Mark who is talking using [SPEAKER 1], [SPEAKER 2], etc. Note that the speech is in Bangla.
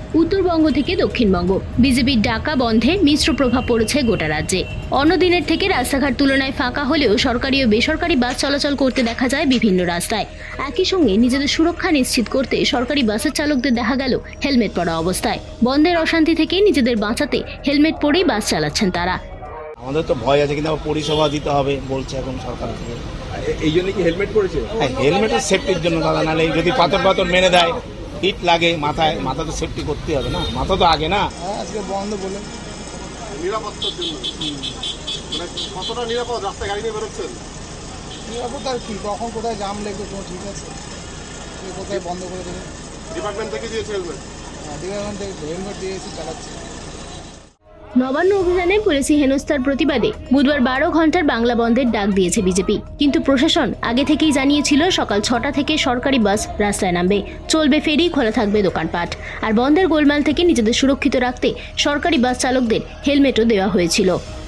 [SPEAKER 1] উত্তরবঙ্গ থেকে দক্ষিণবঙ্গ বিজেপির ডাকা বন্ধে মিশ্র প্রভাব পড়েছে গোটা রাজ্যে। অন্য দিনের থেকে রাস্তাঘাট তুলনায় ফাঁকা হলেও সরকারি ও বেসরকারি বাস চলাচল করতে দেখা যায় বিভিন্ন রাস্তায়। একই সঙ্গে নিজেদের সুরক্ষা নিশ্চিত করতে সরকারি বাসের চালকদের দেখা গেল হেলমেট পরা অবস্থায়। বন্ধের অশান্তি থেকে নিজেদের বাঁচাতে হেলমেট পরেই বাস চালাচ্ছেন তারা।
[SPEAKER 2] আমাদের তো ভয় আছে, কিন্তু আবার পরিষেবা দিতে হবে বলছে এখন সরকার থেকে।
[SPEAKER 3] এই জন্য কি হেলমেট পরেছে?
[SPEAKER 2] হ্যাঁ, হেলমেটের সেফটির জন্য দাদা, নাহলে যদি পাথর মেরে দেয়, হিট লাগে মাথায়, মাথা তো সেফটি করতে হবে না, মাথা তো আগে না।
[SPEAKER 3] আজকে বন্ধ বলে
[SPEAKER 4] নিরাপত্তার জন্য মানে কতটা নিরাপদ রাস্তায় গাড়ি নিয়ে বেরোচ্ছেন?
[SPEAKER 3] নিরাপদ আর কি, কখন কোথায় জাম লেগে কোনো ঠিক আছে, কোথায় বন্ধ করে দেবে।
[SPEAKER 4] ডিপার্টমেন্ট থেকে দিয়েছে হেলমেট?
[SPEAKER 3] ডিপার্টমেন্ট থেকে হেলমেট দিয়েছি, চালাচ্ছি।
[SPEAKER 1] নবান্ন অভিযানে পুলিশি হেনস্থার প্রতিবাদে বুধবার 12 ঘন্টার বাংলা বন্ধের ডাক দিয়েছে বিজেপি। কিন্তু প্রশাসন আগে থেকেই জানিয়েছিল সকাল 6টা থেকে সরকারি বাস রাস্তায় নামবে, চলবে ফেরি, খোলা থাকবে দোকানপাট। আর বন্ধের গোলমাল থেকে নিজেদের সুরক্ষিত রাখতে সরকারি বাস চালকদের হেলমেটও দেওয়া হয়েছিল।